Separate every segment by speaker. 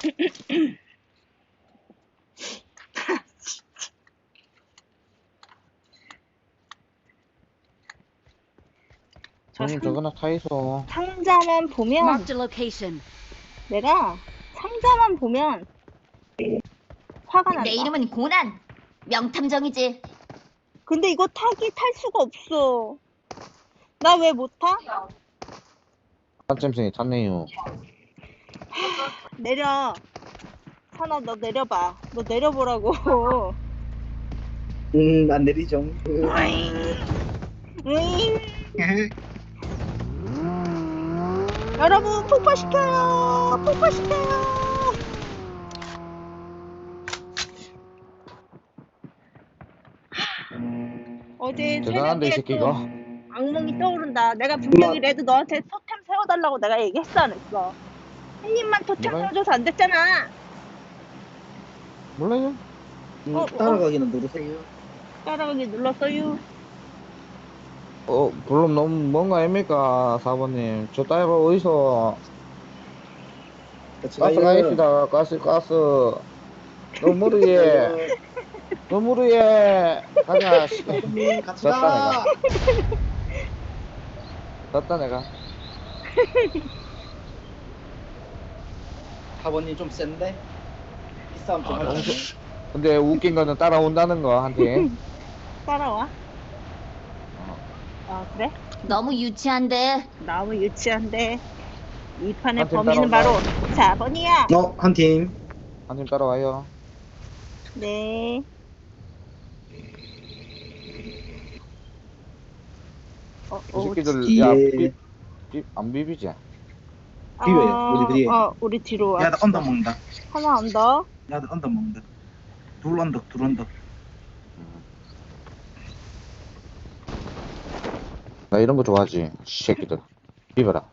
Speaker 1: 형님 저거나 타이소.
Speaker 2: 상자만 보면
Speaker 3: Marked a location.
Speaker 2: 내가 상자만 보면 화가 난다.
Speaker 4: 내 이름은 고난. 명탐정이지.
Speaker 2: 근데 이거 탈 수가 없어. 나 왜 못 타?
Speaker 1: 깜짝생이 탔네요.
Speaker 2: 내려. 산아, 너 내려봐. 너 내려보라고.
Speaker 5: 안 내리죠.
Speaker 2: 으잉. 여러분, 폭파시켜요. 폭파시켜요. 어제
Speaker 1: 대단한데 이
Speaker 2: 새벽에 또
Speaker 1: 새끼가.
Speaker 2: 악몽이 떠오른다. 내가 분명히 레드 너한테 토템 세워달라고 내가 얘기했어, 안 했어? 한 입만 토템
Speaker 1: 뭐라요?
Speaker 2: 세워줘서 안 됐잖아.
Speaker 1: 몰라요?
Speaker 5: 따라가기는 누르세요.
Speaker 2: 따라가기 눌렀어요.
Speaker 1: 물론 너무 뭔가 아닙니까, 사모님. 저 따위가 어디서
Speaker 5: 같이
Speaker 1: 가스 가입시다. 가스. 너무 위에. 너무 위에. 가자. 씨.
Speaker 5: 같이
Speaker 1: 졌다,
Speaker 5: 가.
Speaker 1: 졌다 내가.
Speaker 5: 사번님 좀 센데? 이 싸움 좀
Speaker 1: 너무
Speaker 5: 하자.
Speaker 1: 근데 웃긴 거는 따라온다는 거 한테.
Speaker 2: 따라와. 아, 그래?
Speaker 4: 너무 유치한데.
Speaker 2: 너무 유치한데. 이 판의
Speaker 1: 한팀
Speaker 2: 범인은 바로
Speaker 1: 따라온다.
Speaker 2: 4번이야.
Speaker 5: 한 팀.
Speaker 1: 한팀 따라와요.
Speaker 2: 네.
Speaker 1: 이 새끼들
Speaker 5: 뒤에.
Speaker 1: 야 안 비비지?
Speaker 5: 비벼요, 우리 뒤에.
Speaker 2: 우리 뒤로 와.
Speaker 5: 야, 나 언덕 먹는다.
Speaker 2: 하나 언더.
Speaker 5: 야, 나 언덕 먹는다. 둘 언덕.
Speaker 1: 나 이런 거 좋아하지. 새끼들. 비벼라.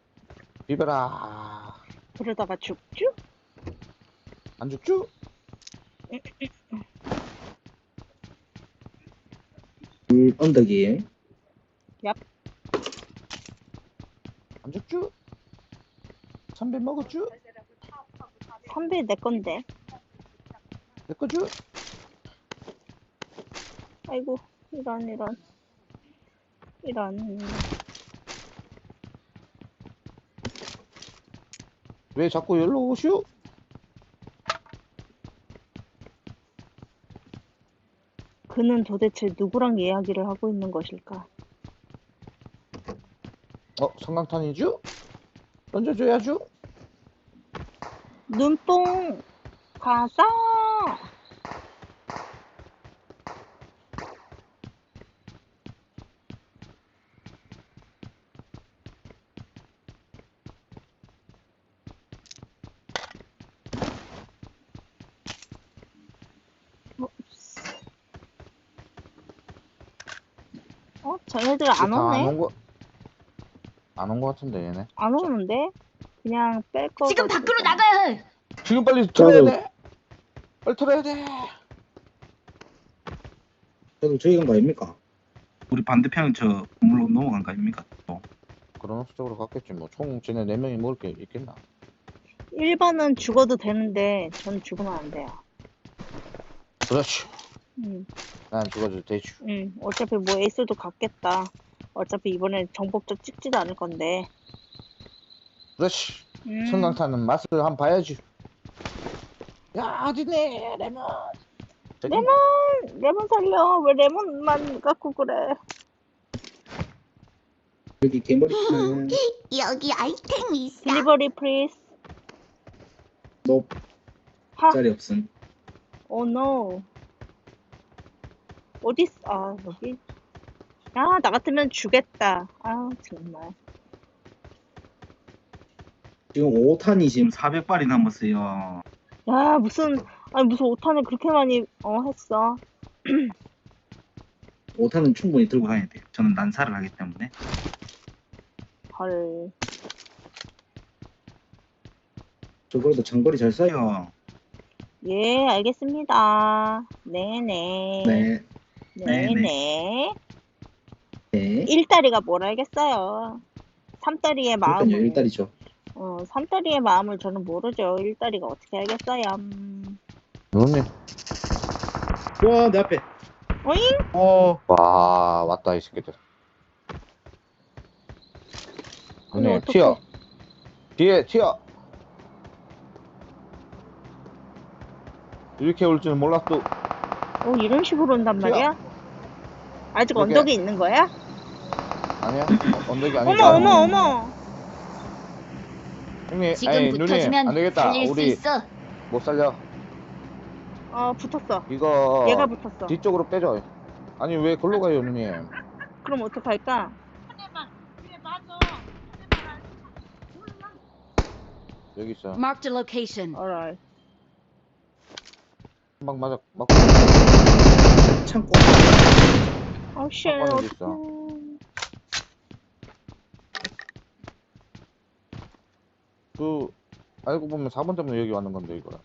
Speaker 2: 그러다가 죽죠?
Speaker 1: 안 죽죠?
Speaker 5: 둘 언덕이에요.
Speaker 2: 얍.
Speaker 1: 안 죽죠? 선배 먹었죠?
Speaker 2: 선배 내 건데.
Speaker 1: 내 거죠?
Speaker 2: 아이고, 이런.
Speaker 1: 왜 자꾸 여기로 오시오?
Speaker 2: 그는 도대체 누구랑 이야기를 하고 있는 것일까?
Speaker 1: 성강탄이죠? 던져줘야죠?
Speaker 2: 눈뽕 가자. 쟤네들 안 오네?
Speaker 1: 안 온 거 같은데 얘네.
Speaker 2: 안 오는데? 그냥 뺄 거.
Speaker 4: 지금 밖으로 나가야 해.
Speaker 1: 지금 빨리 털어야 돼. 빨리 털어야 돼.
Speaker 5: 저도 저기 간 거 아닙니까? 우리 반대편 저 건물로 넘어간 거 아닙니까? 또.
Speaker 1: 그런 쪽으로 갔겠지 뭐. 총 쟤네 4명이 먹을 게 있겠나?
Speaker 2: 1번은 죽어도 되는데 전 죽으면 안 돼요.
Speaker 1: 그렇지. 난 죽어도 되지.
Speaker 2: 어차피 뭐 에이스도 갔겠다. 어차피 이번에 정복자 찍지도 않을 건데.
Speaker 1: 그렇지. 성강탄은 맛을 한번 봐야지. 야 어디네 레몬.
Speaker 2: 레몬 살려. 왜 레몬만 갖고 그래?
Speaker 5: 여기 개머리
Speaker 4: 여기 아이템이 있어.
Speaker 2: 딜리버리 프리스.
Speaker 5: 높
Speaker 2: 하.
Speaker 5: 자리 없음.
Speaker 2: 오 노. 어딨어? 여기. 나 같으면 주겠다. 정말.
Speaker 5: 지금 5탄이 지금 400발이 남았어요.
Speaker 2: 야, 무슨 5탄을 그렇게 많이 했어.
Speaker 5: 5탄은 충분히 들고 다녀야 돼요. 저는 난사를 하기 때문에.
Speaker 2: 헐.
Speaker 5: 저 그래도 장거리 잘 쏴요.
Speaker 2: 예, 알겠습니다. 네네.
Speaker 5: 네.
Speaker 2: 네네.
Speaker 5: 네.
Speaker 2: 1다리가 뭘 알겠어요. 3다리의
Speaker 5: 일단요,
Speaker 2: 마음을.
Speaker 5: 1달이죠.
Speaker 2: 삼다리의 마음을 저는 모르죠. 1다리가 어떻게 알겠어요.
Speaker 1: 누님.
Speaker 5: 와, 내 앞에.
Speaker 2: 어잉?
Speaker 1: 와, 왔다, 이 새끼들.
Speaker 2: 근데
Speaker 1: 누님,
Speaker 2: 어떡해.
Speaker 1: 튀어. 뒤에, 튀어. 이렇게 올 줄은 몰랐어.
Speaker 2: 이런 식으로 온단
Speaker 1: 튀어.
Speaker 2: 말이야? 아직
Speaker 1: 이렇게.
Speaker 2: 언덕에 있는 거야?
Speaker 1: 아니야? 언덕이 아니고.
Speaker 2: 어머.
Speaker 1: 형님,
Speaker 4: 지금
Speaker 1: 아니, 누님,
Speaker 4: 붙어주면
Speaker 1: 안 되겠다.
Speaker 4: 살릴 수
Speaker 1: 우리
Speaker 4: 있어.
Speaker 1: 못 살려.
Speaker 2: 붙었어.
Speaker 1: 이거
Speaker 2: 얘가 붙었어.
Speaker 1: 뒤쪽으로 빼줘. 아니, 왜 걸로 가요, 누님?
Speaker 2: 그럼 어떡할까?
Speaker 1: 여기 있어.
Speaker 3: Marked a location.
Speaker 2: alright.
Speaker 1: 한방 맞아, 맞고.
Speaker 5: 창고.
Speaker 2: 쉣.
Speaker 1: 한 번에 있어.
Speaker 2: 어떡해.
Speaker 1: 알고 보면 4번 때문에 여기 왔는 건데, 이거라.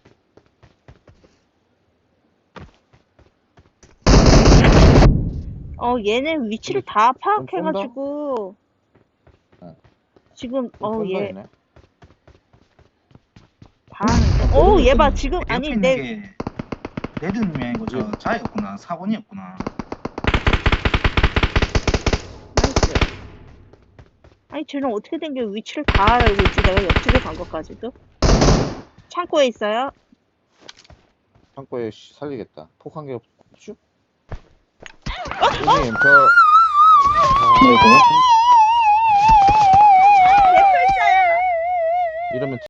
Speaker 2: 얘네 위치를 다
Speaker 1: 쏜다?
Speaker 2: 파악해가지고
Speaker 1: 어.
Speaker 2: 지금
Speaker 1: 쏜다,
Speaker 2: 얘
Speaker 1: 얘네.
Speaker 2: 봐하는데 얘 봐 지금
Speaker 5: 옆에
Speaker 2: 아니
Speaker 5: 있는
Speaker 2: 내
Speaker 5: 게 레드님이 아니고 저 자였구나. 4번이었구나.
Speaker 2: 나이스. 아니 쟤는 어떻게 된 게 위치를 다 알고 있지 내가 옆집에 간 것까지도 창고에 있어요.
Speaker 1: 창고에 살리겠다. 폭 한 개 없죠? 누님, 저.
Speaker 5: 아이고.
Speaker 2: 내 팔자야.
Speaker 1: 이러면